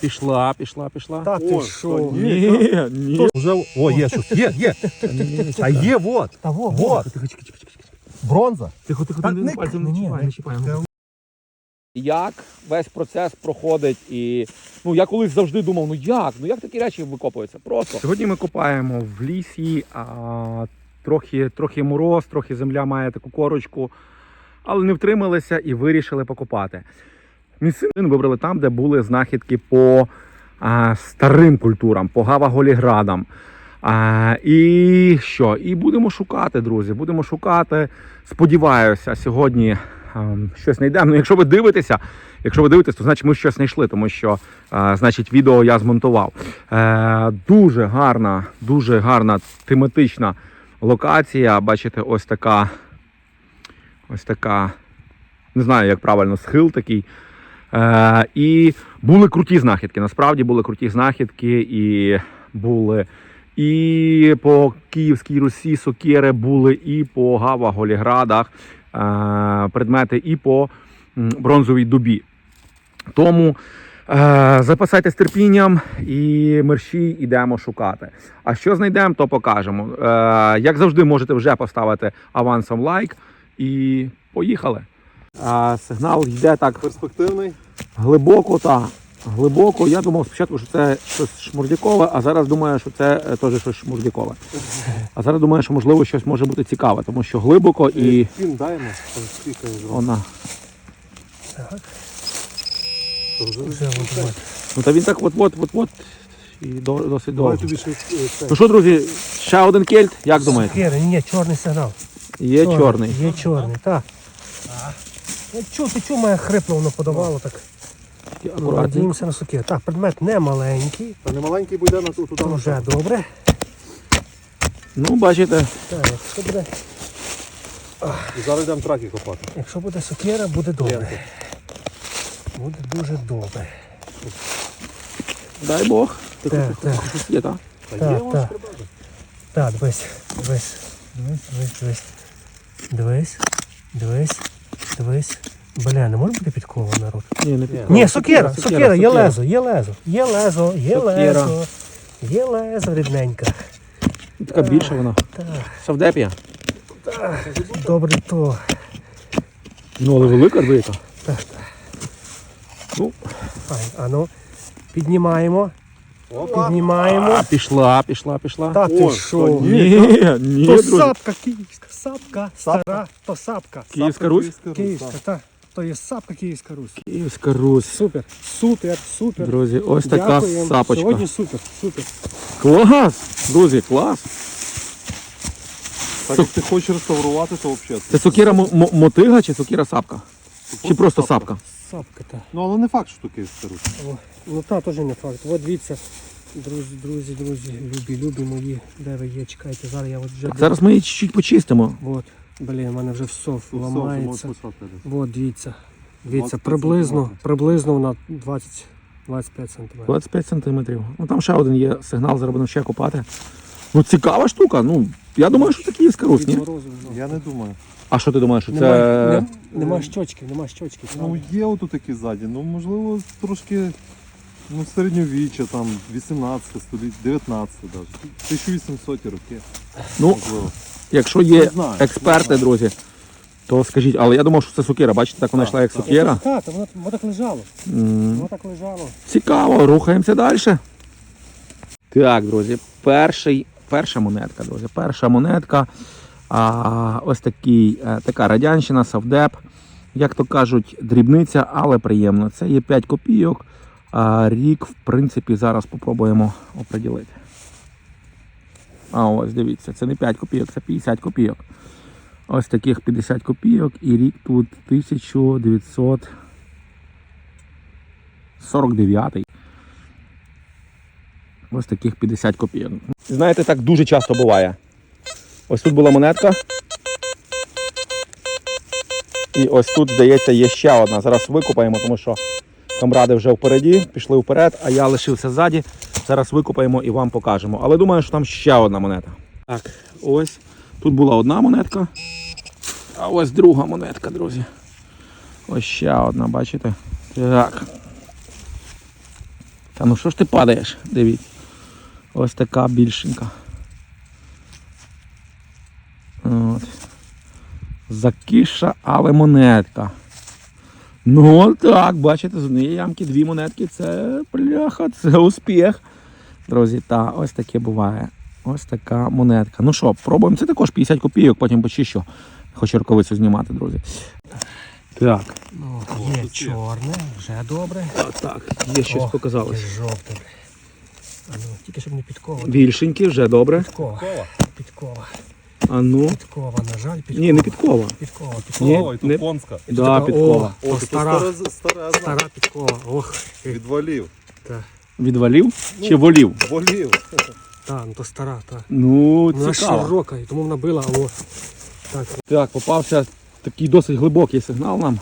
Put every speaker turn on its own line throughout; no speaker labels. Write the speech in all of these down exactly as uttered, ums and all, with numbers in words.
Пішла, пішла, пішла.
Та ти
О,
що?
Ні, ні.
Уже... О, є щось. Є, є. А є, вот.
Та во,
Вот.
во.
Тихо, тихо, тихо, тихо.
Бронза.
Тихо, тихо,
Та
не,
не-
пальцем
ні,
не чіпай,
ні.
не чіпай. Як весь процес проходить і, ну, я колись завжди думав, ну як, ну як такі речі викопуються? Просто. Сьогодні ми копаємо в лісі, а, трохи, трохи мороз, трохи земля має таку корочку, але не втрималися і вирішили покопати. Місцину вибрали там, де були знахідки по а, старим культурам, по гава-голіградам. А, і що? І будемо шукати, друзі, будемо шукати. Сподіваюся, сьогодні а, щось знайдемо. Ну, якщо ви дивитеся, якщо ви дивитесь, то значить ми щось знайшли, тому що, а, значить, відео я змонтував. Е, дуже гарна, дуже гарна тематична локація. Бачите, ось така, ось така, не знаю, як правильно, схил такий. Е, і були круті знахідки, насправді були круті знахідки, і були і по Київській Русі сокири, були і по гава-голіградах е, предмети, і по бронзовій дубі. Тому е, запасайтесь терпінням і мерщій ідемо шукати. А що знайдемо, то покажемо. Е, як завжди, можете вже поставити авансом лайк і поїхали. А, сигнал йде так
Перспективний.
глибоко, та глибоко. Я думав спочатку, що це щось шмурдякове, а зараз думаю, що це е, теж щось шмурдякове. А зараз думаю, що можливо щось може бути цікаве, тому що глибоко і
Пін даємо. Там спікає.
вона.
Так.
Вже
Вже от, от.
Ну та він так от-от, от-от і до- досить
Давай
довго.
тобі ще е, це.
Ну що, друзі, ще один кельт, як думаєте?
Сокири, ні, чорний сигнал.
Є чорний.
Є чорний, так. Ну, чу, ти чу мене хрипло воно подавало так. Ну,
Акуратно.
надіємося на сокири. Так, предмет не маленький.
Та не маленький буде на ту туди.
То вже добре.
Ну, бачите,
Так, якщо буде,
І зараз йдемо траки копати.
якщо буде сокира, буде добре. Буде дуже добре.
дай Бог.
Так, так.
Щось є, так?
Та
Так,
є у нас
так. Так, дивись, дивись, дивись, дивись, дивись. Дивись, дивись, дивись. Бля, не може бути підкова, народ?
Ні, не
Ні.
підкова.
Ні, сокира, сокира, є
сокира.
лезо, є лезо, є лезо, є
Сокира.
лезо, є лезо рідненька.
Така більша вона.
Так,
Савдепія.
добре то.
Ну, але велика, велика.
Так, так.
Ну,
Файн, а ну, піднімаємо,
Опа.
піднімаємо.
а, пішла, пішла, пішла.
Та ти
О,
що?
то
Ні, ні,
То
друзі.
сапка київська, сапка, стара, то сапка.
Київська Русь?
Київська, так. То є сапка Київська Русь.
Київська Русь.
Супер, супер, супер.
Друзі, ось така
Дякуємо.
сапочка.
Сьогодні супер, супер.
Клас! Друзі, клас!
Так як ти хочеш реставрувати, то взагалі.
Це сокира м- м- мотига чи сокира сапка? Чи просто сапка?
Сапка та.
Ну, але не факт, що таке старусь.
О, ну та теж не факт. От дивіться, друзі, друзі, друзі, любі, любі мої, де ви є, чекайте, зараз я от вже...
Зараз ми її чуть-чуть почистимо.
От, блін, в мене вже всов
Ну, все,
ламається.
можеш писати.
От, дивіться, дивіться,
двадцять п'ять
приблизно,
сантиметрів.
приблизно на двадцять двадцять п'ять сантиметрів.
двадцять п'ять сантиметрів. Ну там ще один є сигнал, зараз будемо ще копати. Ну цікава штука. Ну, я думаю, що це Київська Русь, ні?
Від морозу, ну.
Я не думаю.
А що ти думаєш, що
Нема,
це...
нем- нема щочки, нема щочки.
Ну, є отут такі ззаді. Ну, можливо, трошки ну, середньовіччя, там, вісімнадцяте століття, дев'ятнадцяте навіть. тисяча вісімсоті роки.
Ну,
Можливо.
якщо
Не
є
знаю,
експерти,
не знаю.
друзі, то скажіть. Але я думав, що це сокира. Бачите, так вона
Так,
йшла як
так.
сокира.
Так, воно, воно так лежало,
М,
воно так лежало.
Цікаво, рухаємося далі. Так, друзі, перший, перша монетка, друзі. Перша монетка. А, ось такий, е, така радянщина, Савдеп. Як то кажуть, дрібниця, але приємно. Це є п'ять копійок. А рік, в принципі, зараз спробуємо оприділити. А ось, дивіться, це не п'ять копійок, це п'ятдесят копійок. Ось таких п'ятдесят копійок і рік тут тисяча дев'ятсот сорок дев'ятий. Ось таких п'ятдесят копійок. Знаєте, так дуже часто буває. Ось тут була монетка. І ось тут, здається, є ще одна. Зараз викопаємо, тому що камради вже впереді, пішли вперед, а я лишився ззаді. Зараз викопаємо і вам покажемо. Але думаю, що там ще одна монета. Так, ось. Тут була одна монетка. А ось друга монетка, друзі. Ось ще одна, бачите? Так. Та ну що ж ти падаєш? Дивіться. Ось така більшенька. От. Закиша, але монетка. Ну так, бачите, з однієї ямки дві монетки, це бляха, це успіх. Друзі, та ось таке буває. Ось така монетка. Ну що, пробуємо. Це також п'ятдесят копійок, потім почищу. Хочу рукавицю знімати, друзі. Так.
Ну, є чорне, вже добре.
А, так, є щось
О,
показалось.
є жовте. А ну, тільки щоб не підкова.
Більшенькі, вже добре.
Підкова. Підкова.
А ну.
Підкова, на жаль, підкова.
Ні, не підкова.
Підкова,
Ні,
підкова.
Ой,
не-
тут конська.
Да, підкова.
О,
це
стара,
стара, стара,
стара підкова. Ох,
Відвалів.
та,
Відвалів чи волів?
Волів.
та, ну то стара, та.
Ну,
Вона
цікаво.
широка, і тому вона била, а о. Так,
Так, попався такий досить глибокий сигнал нам.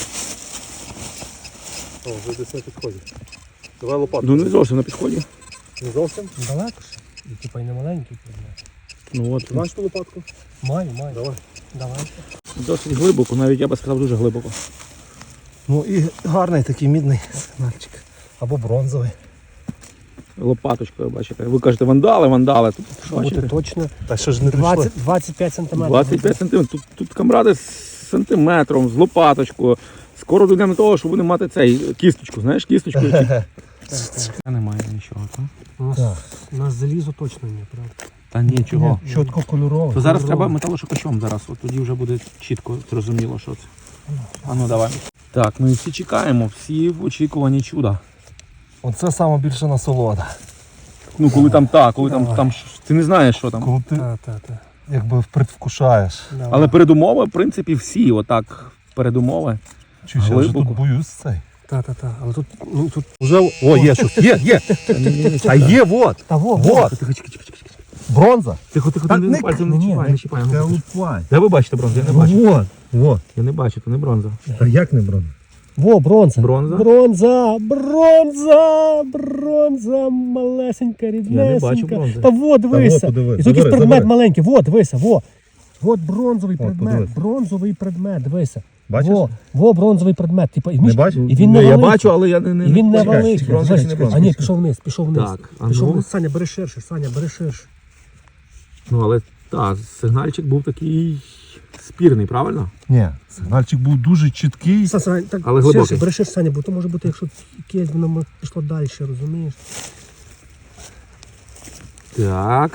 О, вже десь на підході. Давай лопатку.
Ну не зовсім на підході.
Не зовсім?
далеко ще. І типа й не маленький предмет.
Ну от,
Маєш ту лопатку?
Маю, маю.
Давай.
Давай.
досить глибоко, навіть я би сказав дуже глибоко.
Ну і гарний такий мідний сигнальчик. Або бронзовий.
Лопаточкою, бачите. Ви кажете вандали, вандали. Тут
Бути
бачите,
точно.
Та що ж не
двадцять, двадцять п'ять сантиметрів.
двадцять п'ять сантиметрів. Тут, тут камради з сантиметром, з лопаточкою. Скоро дійдемо до того, що будемо мати цей кісточку, знаєш, кісточку. Немає нічого, так?
У нас, у нас залізо точно ні, правда?
Та нічого.
Чітко кольоровий.
То зараз треба металошукачом зараз, от тоді вже буде чітко зрозуміло, що це. А ну давай. Так, ну і всі чекаємо, всі в очікуванні чуда.
Оце саме більше насолода.
Ну коли там так, коли там,
Давай.
там ш- ти не знаєш, що там.
Коли ти
Та, та, та.
якби предвкушаєш.
Давай.
Але передумови, в принципі, всі отак передумови.
Чуєш, я вже
Глибоко.
тут боюсь цей.
Та, та, та. Але тут, ну тут.
Уже, о, є щось. Є, є. А є, вот.
Та во,
Вот.
Тихо, тихо, тихо, тихо, тихо.
Бронза.
Тихо, тихо,
Та
не,
не-
пальцем не
ні,
чіпай,
не
не чіпай.
Та
ну,
лупай.
Де ви бачите бронзу? Я не бачу.
Вот, вот.
Я не бачу, то не бронза.
Та як не бронза?
Во, бронза.
Бронза?
Бронза, бронза, бронза, малесенька, ріднесенька.
Я не бачу бронзи.
Та во, дивися.
Та во, подиви,
І тут якийсь
забери,
предмет
забери.
маленький, во, дивися, во. От бронзовий
О,
предмет,
подивись.
бронзовий предмет, дивися.
Бачиш?
Во, во, бронзовий предмет. Типа, і,
Не
між-
бачиш?
і він не
Ну, я
великий.
бачу, але я не, не,
І він не
Чекай,
великий.
бронза чи не
Дивись,
бронза?
А ні, пішов вниз, пішов вниз.
Так, а
пішов
ну.
вниз. Саня, бери ширше, Саня, бери ширше.
Ну, але так, сигнальчик був такий спірний, правильно?
Ні, сигнальчик був дуже чіткий.
Саня, Саня, так,
Але глибокий.
ширше, бери ширше, Саня, бо то може бути, якщо якесь воно м- пішло далі, розумієш?
Так.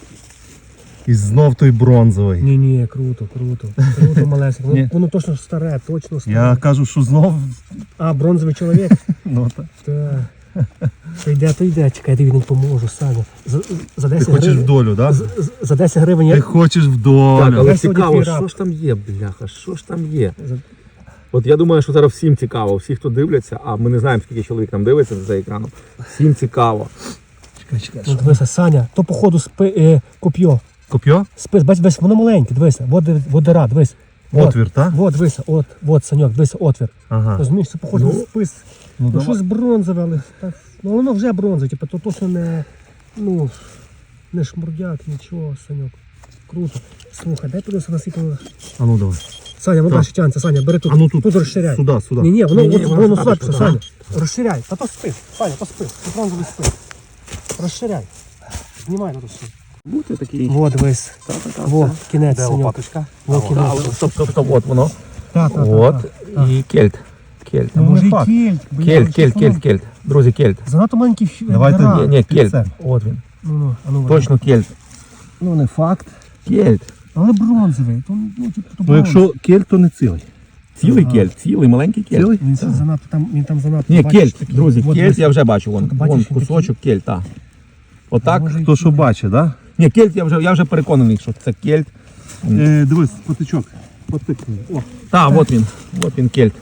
І знов той бронзовий.
Ні, ні, круто, круто. Круто, малесенько.
Ні.
Воно, воно точно старе, точно старе.
Я кажу, що знов.
А, бронзовий чоловік?
Ну, так.
Так. То йде, то йде. Чекай, я тобі не поможу, Саня. За, за
Ти
десять
хочеш в
гривень.
долю, так?
з- з- За десять гривень
Ти
я...
хочеш в
Так,
долю.
але
Я сьогодні
цікаво,
твій раб.
що ж там є, бляха, що ж там є?
За-
От я думаю, що зараз всім цікаво, всі, хто дивляться, а ми не знаємо, скільки чоловік нам дивиться за екраном. Всім цікаво.
Чекай, чекай.
Ну, дивися, Саня, то походу спи, е, коп'йо.
Коп'йо?
Спис, бач, бач, воно маленьке, дивися. Вот, див- вот дира, дивись. Вот,
Отвір, так?
Вот, дивися, от, от, Саньок, дивися, отвір.
Ага.
Розумієш, це походу
Ну,
на спис.
Ну,
Ну,
давай.
щось бронзове, але так, ну, воно вже бронзове, типу, то точно не, ну, не шмурдяк, нічого, Саньок. Круто. Слухай, дай подивися на скільки воно.
А ну давай.
Саня, воно
Так.
далі тягнеться, Саня, бери тут,
А ну тут,
тут розширяй.
Сюди, сюди.
Ні, ні, воно,
Ні-ні,
воно,
воно
воно
сюди
слабше,
пішло,
Саня. Розширяй, та то спис, Саня, то спис, це бронзовий спис. Розширяй. Знімай на то все.
Бути такий.
Во, дивись.
Та-та-та,
Во,
все.
кінець,
Де
Саньок.
лопаточка?
Во,
Та,
кінець.
але стоп, стоп, стоп, от воно.
Так, так,
От.
так.
І кельт. Кельт.
Ну, може,
не
і
факт.
кельт. блін,
Кельт,
але
кельт,
щось
кельт,
воно-
кельт. Друзі, кельт.
Занадто маленький фі-
Давайте
дира.
Ні, ні, кельт.
це.
От він.
Ну, ну, а ну,
Точно кельт.
Ну не факт.
Кельт.
Але бронзовий. То, ну, типу, то
Ну
бронз.
якщо кельт, то не цілий.
Цілий
Ага.
кельт, цілий, маленький кельт.
Цілий?
Він там занадто, там, він там занадто.
Ні,
бачиш,
кельт,
такий.
друзі,
От
кельт
дивись.
я вже бачу, вон,
Тут бачиш,
вон
він такий.
кусочок кельт, так. Отак.
Може,
Хто що бачить, так?
Ні, кельт я вже, я вже переконаний, що це кельт.
Е, дивись, потичок. Потикни. О.
Та, от він, от він кельт.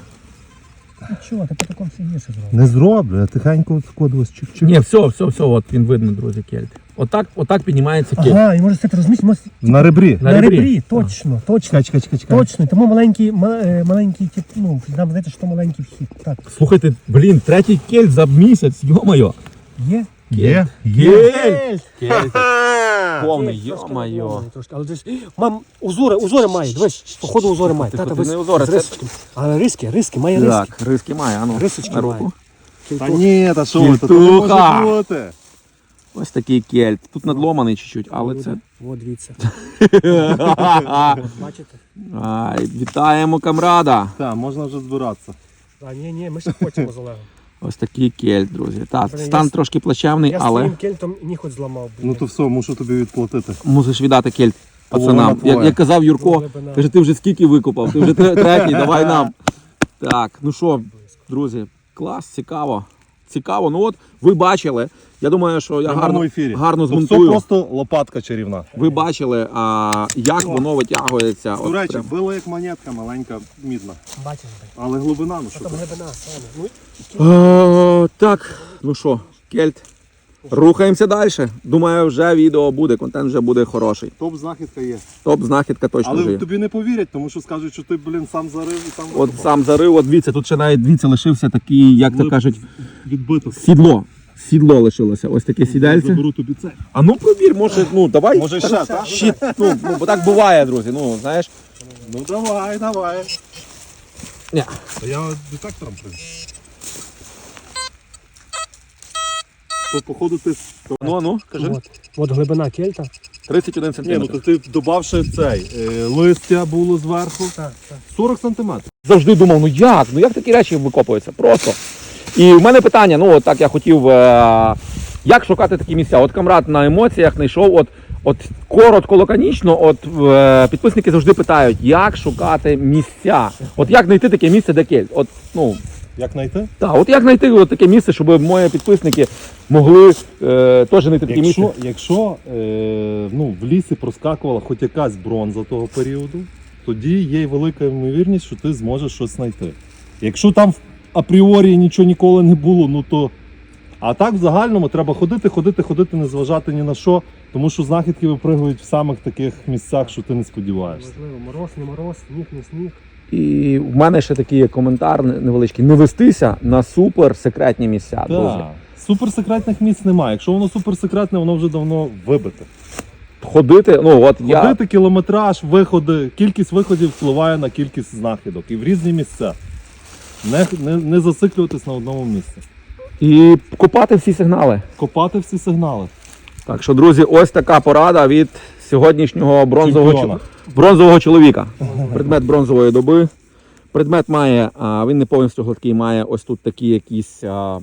Ну чого, ти по такому все гірше зробив.
Не зроблю, я тихенько скодилось чик-чик.
Ні, все, все, все, от він видно, друзі, кельт. Отак, отак піднімається кельт.
Ага, і може це розумієш, може,
На ребрі.
На
на
ребрі.
ребрі, точно, точно.
Чекай, чекай, чекай, чекай.
Точно, тому маленький, ма- е, маленький, тип, ну, нам здається, що маленький вхід. Так,
Слухайте, блін, третій кельт за місяць, йо-моє.
є?
Є, є.
Кельт! Кельт. Повний,
Є, трошки
йо-моє.
надломлений трошки, але десь, мам, узори, узори має, дивись, походу узори має.
Ти
Та, та,
хоч
без-
не узори,
з
це-
рисочками. Але риски, риски, має риски.
Так, риски має, а ну,
Рисочки
на
має.
руку.
Та ні, та що ви, то не
Кільтуха.
може бути.
Ось такий кельт. Тут надломаний чуть-чуть, але це.
От дивіться. От, бачите?
Ай, вітаємо камрада.
Так, можна вже збиратися.
А ні, ні, ми ще хочемо з Олегом.
Ось такий кельт, друзі. Так,
Блін,
стан
я-
трошки плачевний,
Я з
але
своїм кельтом ніхоть зламав. блін.
Ну то все, мушу тобі відплатити.
мусиш віддати кельт
Половина
пацанам. Як,
твоя.
як казав Юрко,
Глибина.
каже, ти вже скільки викопав, ти вже тре- третій, давай нам. Так, ну що, друзі, клас, цікаво. Цікаво. Ну от, ви бачили. Я думаю, що я
В
гарно,
прямому ефірі.
гарно
Тут все
змонтую.
просто лопатка чарівна.
Ви бачили, а, як воно витягується.
До
От
речі,
прям.
била як монетка, маленька, мідна.
Бачиш, блін.
Але глибина, ну
Що
що
там
ти?
глибина, Саня? Ну,
Е, так, ну що, кельт. Рухаємося далі. Думаю, вже відео буде, контент вже буде хороший.
Топ знахідка є.
Топ-знахідка точно вже
Але
є.
тобі не повірять, тому що скажуть, що ти, блін, сам зарив і сам
От сам зарив, от дивіться, тут ще навіть дивіться, лишився такий, як то
Глиб-
кажуть,
відбито.
сідло. Сідло лишилося. Ось таке сідельце.
Заберу тобі це.
А ну провір, може, ну давай.
Може ще, так?
Щит, ну, ну, бо так буває, друзі. Ну, знаєш.
Ну давай, давай.
Ні.
А я детектором прийду. То походу ти...
Ну, ну, кажи.
От, от глибина кельта.
тридцять один
Ні, ну
сантиметр.
то ти додавши цей, е, листя було зверху.
Так, так.
сорок сантиметрів.
Завжди думав, ну як? Ну як такі речі викопуються? Просто. І в мене питання, ну от так я хотів, е- як шукати такі місця? От камрад на емоціях знайшов, от, от коротко, лаконічно, от е- підписники завжди питають, як шукати місця. От як знайти таке місце, де кельт? От, ну,
Як знайти?
так, от як знайти от таке місце, щоб мої підписники могли е- теж знайти таке місце?
Якщо, якщо е, ну, в лісі проскакувала хоч якась бронза того періоду, тоді є велика ймовірність, що ти зможеш щось знайти. Якщо там апріорі нічого ніколи не було, ну то. А так в загальному треба ходити, ходити, ходити, не зважати ні на що, тому що знахідки випригують в самих таких місцях, що ти не сподіваєшся.
Можливо, мороз, не мороз, сніг, не сніг.
І в мене ще такий є коментар невеличкий. Не вестися на супер секретні місця, друзі.
Так. Суперсекретних місць немає. Якщо воно суперсекретне, воно вже давно вибите.
Ходити, ну от я.
Ходити кілометраж, виходи, кількість виходів впливає на кількість знахідок і в різні місця. Не, не, не зациклюватись на одному місці.
І копати всі сигнали.
Копати всі сигнали.
Так що, друзі, ось така порада від сьогоднішнього бронзового,
Чемпіона.
чо- бронзового чоловіка. Предмет бронзової доби. Предмет має, а, він не повністю гладкий, має ось тут такі якісь, а,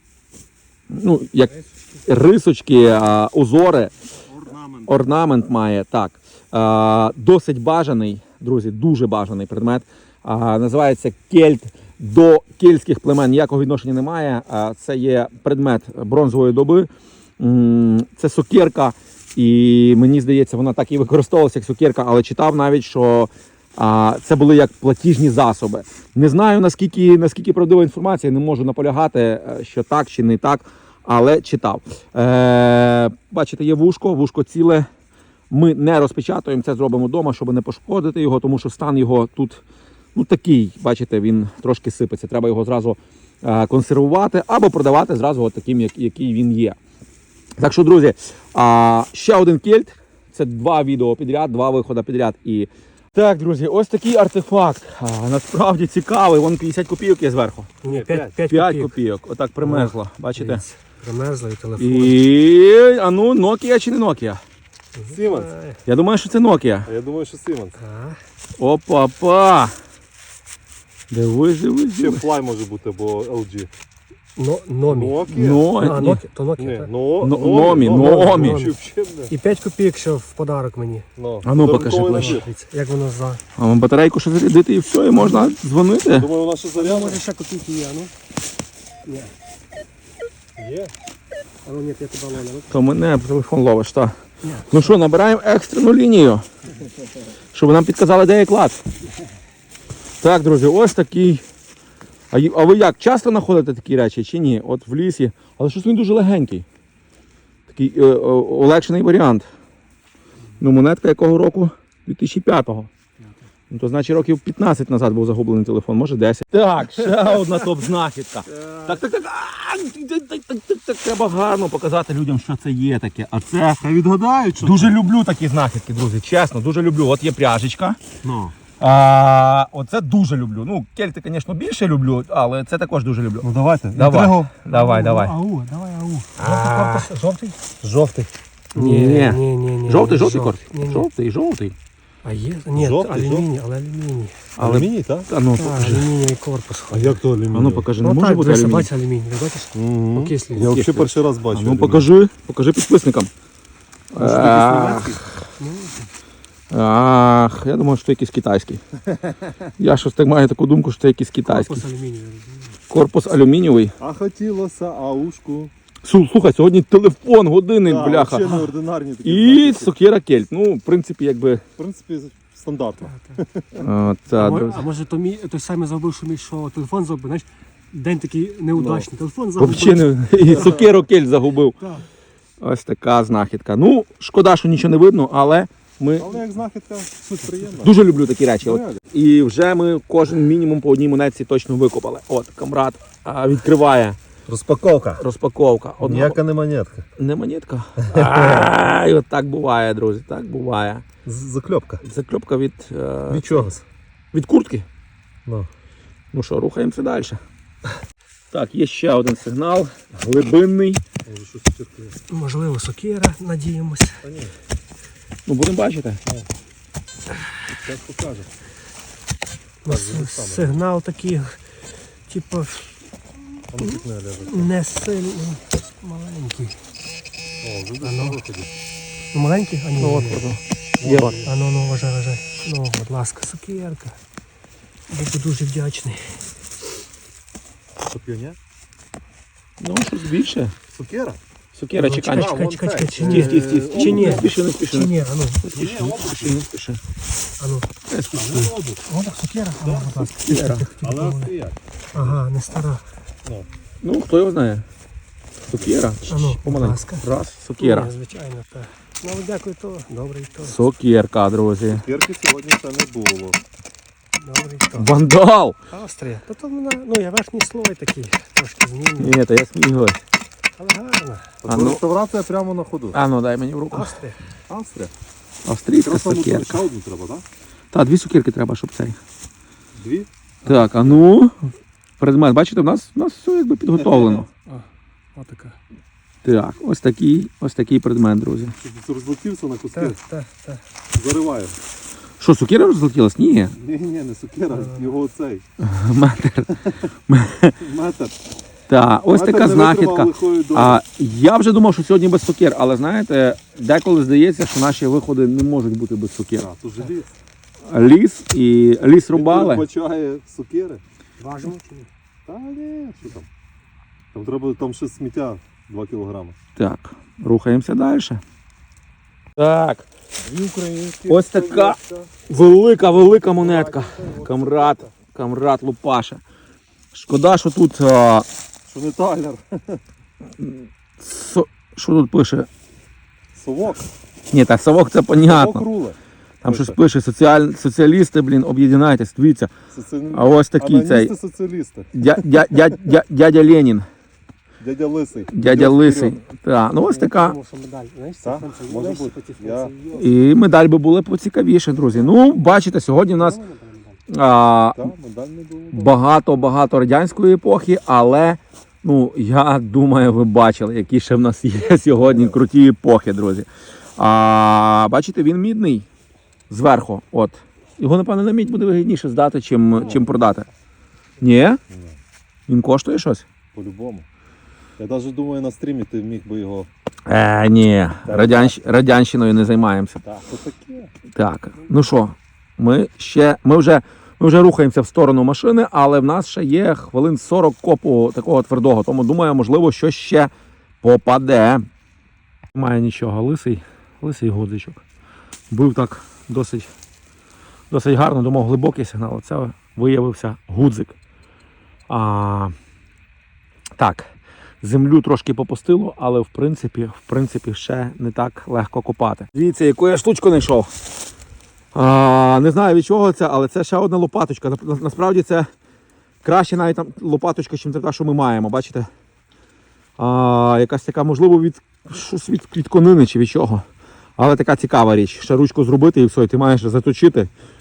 ну, як рисочки, а, узори.
Орнамент.
Орнамент має, так. А, досить бажаний, друзі, дуже бажаний предмет. А, називається кельт. До кельтських племен ніякого відношення немає. А, це є предмет бронзової доби. М, Це сокирка, і мені здається, вона так і використовувалася як сокирка, але читав навіть, що а, це були як платіжні засоби. Не знаю, наскільки, наскільки правдива інформація, не можу наполягати, е, що так чи не так, але читав. Е, бачите, є вушко, вушко ціле. Ми не розпечатуємо, це зробимо вдома, щоб не пошкодити його, тому що стан його тут ну, такий, бачите, він трошки сипеться. Треба його зразу е, консервувати або продавати зразу от таким, як, який він є. Так що, друзі, а, ще один кельт. Це два відео підряд, два виходи підряд. І... Так, друзі, ось такий артефакт. А, насправді цікавий. Вон п'ятдесят копійок є зверху.
Ні, п'ять
п'ять
копійок.
копійок. Отак примерзло. Бачите?
Дивіться, примерзло і телефон.
І... А ну, Nokia чи не Nokia?
Siemens.
Ай,
Я думаю, що це Nokia.
А я думаю, що Siemens.
так.
Опа-па! Дивись, дивись,
Ще
дивись.
Fly може бути, бо ел джі.
Но, номі.
Nokia?
Ну,
А,
ні.
Nokia, то Nokia,
Ні,
так.
но,
Но- Номі, Номі.
Чи взагалі не?
І п'ять копійок ще в подарок мені.
Ну,
А ну, покажи
подарунковий
ближче.
набір.
Дивіться, як воно за.
А вам батарейку ще зарядити і все, і можна дзвонити.
Думаю, вона ще
Я
заряджена.
може ще копійки є, а ну. Ні.
Є.
А ну ні, я тебе ловлю.
То мене телефон ловиш, так.
Ні.
Ну що, набираємо екстрену лінію, щоб нам підказали, де є клад. Так, друзі, ось такий. А, й- а ви як, часто знаходите такі речі чи ні? От в лісі. Але щось він дуже легенький. Такий е, е, олегшений варіант. Ну, монетка якого року? дві тисячі п'ятого. Ну, то значить років п'ятнадцять назад був загублений телефон, може десять. Так, ще одна топ-знахідка. Так, так, так, а, так, так, так, так, так, треба гарно показати людям, що це є таке. А це
Хай відгадають, що
дуже люблю такі знахідки, друзі, чесно, дуже люблю. От є пряжечка.
Ну.
А, оце дуже люблю. Ну, кельти, звісно, більше люблю, але це також дуже люблю.
Ну давайте.
Давай.
Інтригу.
Давай, давай.
Ау, давай, ау.
А.
Жовтий корпус, жовтий?
Жовтий.
Ні.
ні, ні, ні.
Жовтий, жовтий
жовтий.
корт.
Ні, ні.
Жовтий, жовтий.
А є? Ні,
Жовтий,
алюміній, але алюміній.
Але-
Алюміній, так?
А ну,
Так,
покажи.
алюмінієвий корпус.
А як то алюміній?
А ну покажи, не
Ну
може
так,
бути
дивися,
алюміній?
бачиш алюміній, ви бачиш?
Мгм.
Окислює.
Я взагалі
Окислює.
перший раз
А
бачу.
ну
алюміній.
покажи, покажи підписникам. Ах, ах, я думаю, що це якийсь китайський. Я щось так маю таку думку, що це якийсь китайський.
Корпус алюмінієвий.
Корпус алюмінієвий.
А хотілося аушку.
Су- Слухай, сьогодні телефон, годинник,
Так,
бляха.
взагалі неординарні такі
І
знаки.
сокира кельт. Ну, в принципі, якби.
В принципі, стандартно.
О,
А,
та,
мо-
друзі.
а може то мій той самий забув, що мій що телефон забув, знаєш, день такий неудачний. Телефон забув.
Взагалі не і сокиру кельт загубив.
Так.
Ось така знахідка. Ну, шкода, що нічого не видно, але ми
Але як знахідка, суть приємна.
дуже люблю такі речі. От.
Реально.
І вже ми кожен мінімум по одній монетці точно викопали. От, камрад а, відкриває.
Розпаковка.
Розпаковка. Одна...
Ніяка не монетка.
Не монетка. А, і от так буває, друзі, так буває.
З- Закльопка.
Закльопка від, е,
Від чогось.
від куртки.
Ну.
Ну що, рухаємося далі. Так, є ще один сигнал. Глибинний.
Можливо, сокира, надіємося.
Ну, будемо бачити.
Зараз покажу.
Ну, с- сигнал такий, типу,
А ну пікне ляже.
не сильний, маленький.
О, вже
А ну.
десь виходить.
Ну, маленький? А ні,
Ну, от,
ні.
от. Є от.
А ну, ну, вважай, вважай. Ну, будь ласка, сокирка. Буду дуже вдячний.
Сокирня?
Ну, щось більше.
Сокира?
Сокира,
Ну,
чекай.
А,
чекай,
вон
чекай,
цей.
чекай, чи
Е,
ні?
Стій, стій, стій.
Чи ні?
Не спіши, не спіши.
Чи ні? А ну,
Не спіши, не спіши, не спіши.
а ну.
Не спіши.
О, так, сокира? А, будь ласка.
Сокира.
Але австріяк.
Ага, не стара.
Ну, хто його знає? Сокира.
А ну, будь
Помаленьку.
ласка.
Раз, сокира.
Ні, звичайно, так. Ну, але дякую, то. Добрий то.
Сокирка, друзі.
Сокирки сьогодні ще не було.
Добрий то.
Вандал!
Австрія. То то вона, ну, я верхній слой такий, трошки змінний,
Ні, то я сміюсь.
але гарна.
А ну.
Реставрація прямо на ходу.
А ну, дай мені в руку.
Австрія.
Австрія.
Австрійська
Просто ну,
сокирка.
ще одну треба, так?
Так, дві сокирки треба, щоб цей.
Дві?
Так, а ну. Предмет, бачите, в нас, в нас все якби підготовлено.
Отака.
Так, ось такий, ось такий предмет, друзі.
Тут розлетівся на куски.
Так, так, так.
Зариває.
Що, сокира розлетілась? Ні.
Ні, ні, не сокира, його цей.
Метр.
Метр.
Так, ось
Метр
така
не
знахідка.
витримав лихої долі.
А я вже думав, що сьогодні без сокир, але знаєте, деколи здається, що наші виходи не можуть бути без сокир.
А, то желіз.
Ліс і ліс рубали.
Бачає сокири.
Важимо чи ні?
Та ні, що там. Там треба, там ще сміття два кілограми.
Так, рухаємося далі. Так,
Дві українські.
Ось така. велика, велика монетка. Камрад, камрад Лупаша. Шкода, що тут. А,
Що не талер.
со- що тут пише?
Совок.
Ні, так совок це
Совок
понятно.
руле.
Там щось пише, соціаль... соціалісти, блін, об'єднайтесь, дивіться.
Соці-
А ось такий цей.
Аноністи соціалісти.
Дя, дя, дя, дя, дядя Ленін,
Дядя Лисий.
дядя
Йдет
Лисий.
вперед.
Так, ну ось така.
Тому що медаль. Знаєш,
Так,
це француз-
може
знаєш,
бути.
ці
Я-
французи.
І медаль би були поцікавіше, друзі. Ну, бачите, сьогодні в нас а,
Так, медаль не було.
багато-багато радянської епохи, але ну, я думаю, ви бачили, які ще в нас є сьогодні круті епохи, друзі. А, бачите, він мідний зверху. От. Його, напевно, на мідь буде вигідніше здати, чим, чим продати. Ні?
Ні,
Він коштує щось?
по-любому. Я навіть думаю, на стрімі ти міг би його.
Е, ні, Радянщ... радянщиною не займаємося.
Так, то таке.
Так, ну що, ми ще, ми вже, ми вже рухаємося в сторону машини, але в нас ще є хвилин сорок копу такого твердого, тому думаю, можливо, що ще попаде. Немає нічого, лисий, лисий гудзичок. Був так досить, досить гарно, думав, глибокий сигнал, а це виявився гудзик. А, так, землю трошки попустило, але в принципі, в принципі ще не так легко копати. Дивіться, яку я штучку знайшов. А, не знаю від чого це, але це ще одна лопаточка. На- Насправді це краще навіть там лопаточка, ніж та, що ми маємо, бачите? А, якась така, можливо, від, щось від клітконини чи від чого. Але така цікава річ. Ще ручку зробити і все, і ти маєш заточити.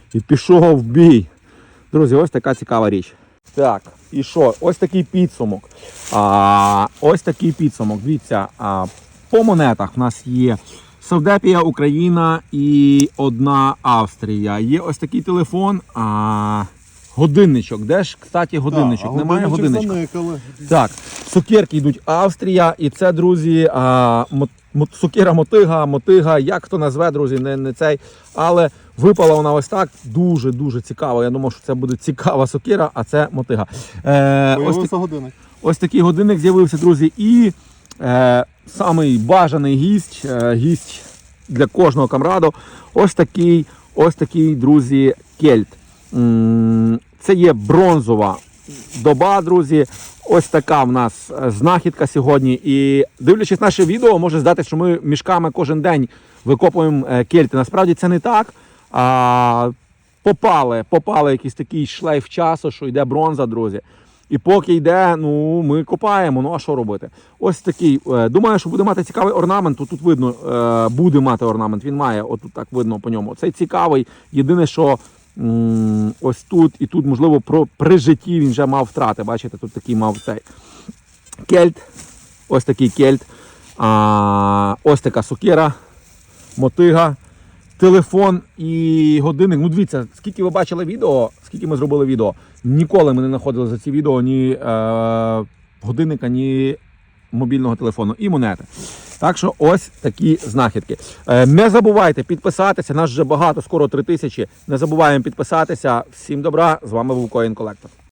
І пішов в бій. Друзі, ось така цікава річ. Так, і що? Ось такий підсумок. А, ось такий підсумок. Дивіться, а, по монетах в нас є Савдепія, Україна і одна Австрія. Є ось такий телефон, а, годинничок. Де ж, кстати, годинничок?
Так, а
Немає
годинничок
годинничка.
заникали.
Так, цукерки йдуть Австрія, і це, друзі, а, мо, мо, цукера мотига, мотига, як хто назве, друзі, не, не цей. Але випала вона ось так, дуже-дуже цікаво. Я думав, що це буде цікава сокира, а це мотига. Е, ось,
Появився
так,
годинник.
ось такий годинник з'явився, друзі, і е, самий бажаний гість, е, гість для кожного камраду, ось такий, ось такий, друзі, кельт. М, Це є бронзова доба, друзі. Ось така в нас знахідка сьогодні. І дивлячись наше відео, може здатися, що ми мішками кожен день викопуємо е, кельти. Насправді це не так. А, попали, попали якийсь такий шлейф часу, що йде бронза, друзі. І поки йде, ну, ми копаємо, ну а що робити? Ось такий, е, думаю, що буде мати цікавий орнамент, тут, тут видно, е, буде мати орнамент, він має, отут так видно по ньому. Цей цікавий, єдине, що м, ось тут і тут, можливо, про, при житті він вже мав втрати, бачите, тут такий мав цей кельт, ось такий кельт, а, ось така сокира, мотига, телефон і годинник. Ну, дивіться, скільки ви бачили відео, скільки ми зробили відео, ніколи ми не знаходили за ці відео ні е, годинника, ні мобільного телефону і монети. Так що ось такі знахідки. Е, не забувайте підписатися, нас вже багато, скоро три тисячі. Не забуваємо підписатися. Всім добра, з вами був Coin Collector.